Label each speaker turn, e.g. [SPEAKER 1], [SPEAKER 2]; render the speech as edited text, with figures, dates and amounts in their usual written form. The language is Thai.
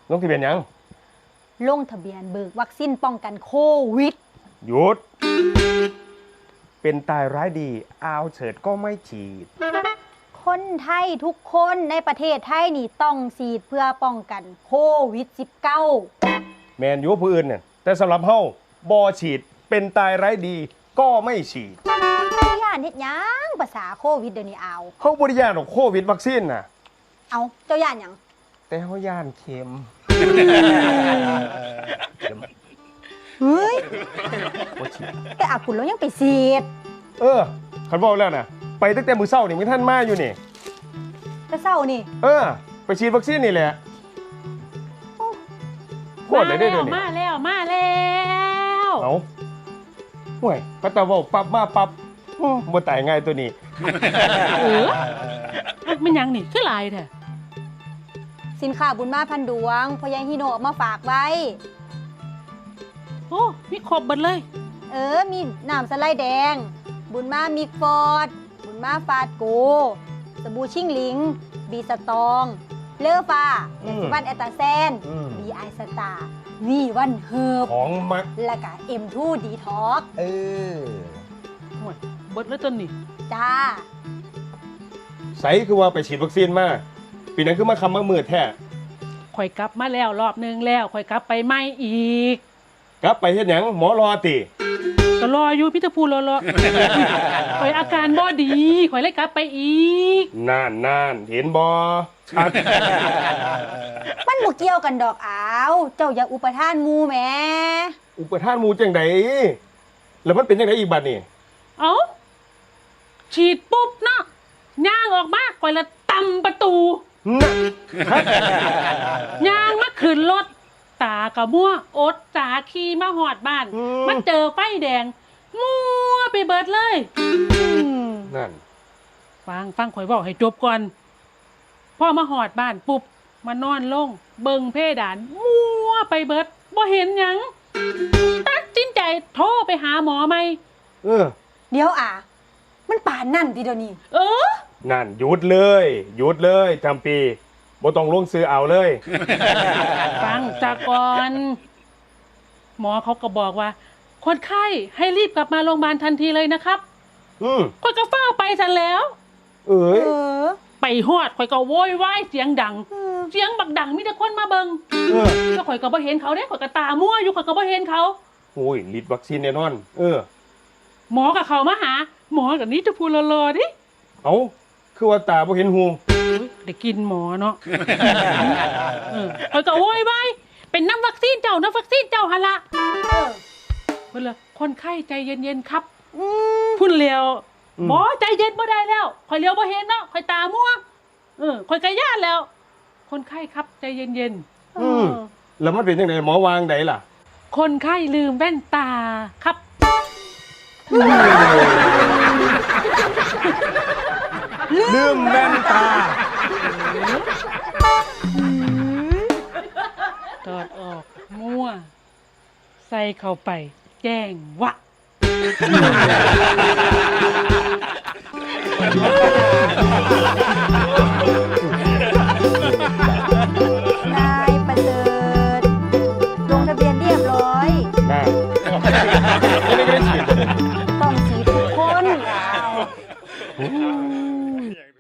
[SPEAKER 1] ลงทะเบียนยัง
[SPEAKER 2] ลงทะเบียนเบิกวัคซีนป้องกันโควิด
[SPEAKER 1] หยุดเป็นตายร้ายดีอาวเฉิดก็ไม่ฉีด
[SPEAKER 2] คนไทยทุกคนในประเทศไทยนี่ต้องฉีดเพื่อป้องกันโควิด -19
[SPEAKER 1] แมนยูผู้อื่นเนี่ยแต่สำหรับเฮาบ่ฉีดเป็นตายร้ายดีก็ไม่ฉีด
[SPEAKER 2] ย่านเฮ็ดหยังภาษาโควิดเดี๋ยวนี้เอา
[SPEAKER 1] เฮาบ่ได้ย่านของโควิดวัคซีนน่ะ
[SPEAKER 2] เอาเจ้าย่านหยัง
[SPEAKER 1] แต่เฮาย่านเข็ม
[SPEAKER 2] เฮ้ยแต่อากุลแล้วยังไปฉีด
[SPEAKER 1] คันบอกแล้วนะไปตั้งแต่มื้อเช้านี่มื้อท่านมาอยู่นี่
[SPEAKER 2] แต่เช้านี่
[SPEAKER 1] ไปฉีดวัคซีนนี่แหละโคตรเลยได้เดี๋ยวนี้
[SPEAKER 3] มาแล้ว
[SPEAKER 1] เอาห่วยก็ตะเว้าปั๊บมาปั๊บบ่ตายง่ายตัวนี้
[SPEAKER 3] มันยังนี่คือหลายแท้
[SPEAKER 2] สินค้าบุญมาพันดวงพ่อใหญ่ฮิโนะเอามาฝากไว้
[SPEAKER 3] โอ้มีครบหมดเลย
[SPEAKER 2] มีน้ำสไลด์แดงบุญมามิกฟอร์ดบุญมาฟาดโกสบู่ชิ่งหลิงบีสตองเลอฟ้าแอสวันแอตตาแซนบีไอสตาร์วีวันเฮิร์บ
[SPEAKER 1] ของมัก
[SPEAKER 2] แล้วก็M2 ดีท็อก
[SPEAKER 3] ห่วยเบิดแล้วต้นนี่
[SPEAKER 2] จ้า
[SPEAKER 1] ใสคือว่าไปฉีดวัคซีนมาปีนั้นคือมาคำมามืดแท้
[SPEAKER 3] ข่อยกลับมาแล้วรอบนึงแล้วข่อยกลับไปไม่อีก
[SPEAKER 1] กลับไปเฮ็ดหยังหมอรอติ
[SPEAKER 3] ก็รออยู่พี่ตะพูรอข่อยอาการบ่ดีข่อยเลยกลับไปอีก
[SPEAKER 1] นานเห็นบ่ชัด
[SPEAKER 2] มันบ่เกี่ยวกันดอกอ้าวเจ้าอย่าอุปทานหมู่แหม
[SPEAKER 1] อุปทานหมู่จังไดแล้วมันเป็นจังไดอีกบัดนี่
[SPEAKER 3] เอ้าฉีดปุ๊บเนาะย่างออกมาข่อยละตำประตูย่างมาขึ้นรถตากะมั่วอดตาขี่มาหอดบ้านมันเจอไฟแดงมั่วไปเบิดเลย
[SPEAKER 1] นั่น
[SPEAKER 3] ฟังข่อยบอกให้จบก่อนพ่อมาหอดบ้านปุ๊บมานอนลงเบิ่งเพดานมั่วไปเบิดบ่เห็นหยังตัดสินใจโทรไปหาหมอไหม
[SPEAKER 2] เดี๋ยวมันป่านนั่นทีเดียวนี้
[SPEAKER 1] นั่นหยุดเลยจำปีบ่ต้องลงซื้อเอาเลย
[SPEAKER 3] ฟังจากก่อนหมอเขาก็บอกว่าคนไข้ให้รีบกลับมาโรงพยาบาลทันทีเลยนะครับข่อยก็เฝ้าไปซะแล้วไปฮอดข่อยก็โวยวายเสียงดังเสียงบักดังมีแต่คนมาเบิ่งแล้วข่อยก็บ่เห็นเขาเด้ข่อยก็ตามั่วอยู่ข่อยก็บ่เห็นเขา
[SPEAKER 1] โอ้ยฤทธิ์วัคซีนแน่นอน
[SPEAKER 3] หมอกับเขามาหาหมอกับนี้จะพูดรอๆดิ
[SPEAKER 1] คือว่าตาบ่เห็นหู
[SPEAKER 3] ได้กินหมอเนาะข่อยก็โวยวายเป็นน้ำวัคซีนเจ้าหั่นล่ะเพิ่นละคนไข้ใจเย็นๆครับพุ่นเลียวหมอใจเย็นบ่ได้แล้วข่อยเลียวบ่เห็นเนาะข่อยตามั่วข่อยก็ย่านแล้วคนไข้ครับใจเย็น
[SPEAKER 1] ๆแล้วมันเป็นจังได๋หมอวางไดล่ะ
[SPEAKER 3] คนไข้ลืมแว่นตาครับ
[SPEAKER 1] ลืมแว่นตา
[SPEAKER 3] ถอดออกมั่วใส่เข้าไปแจ้งวะ
[SPEAKER 2] นายประเสริฐลงทะเบียนเรียบร้อยต้องฉีดทุกคน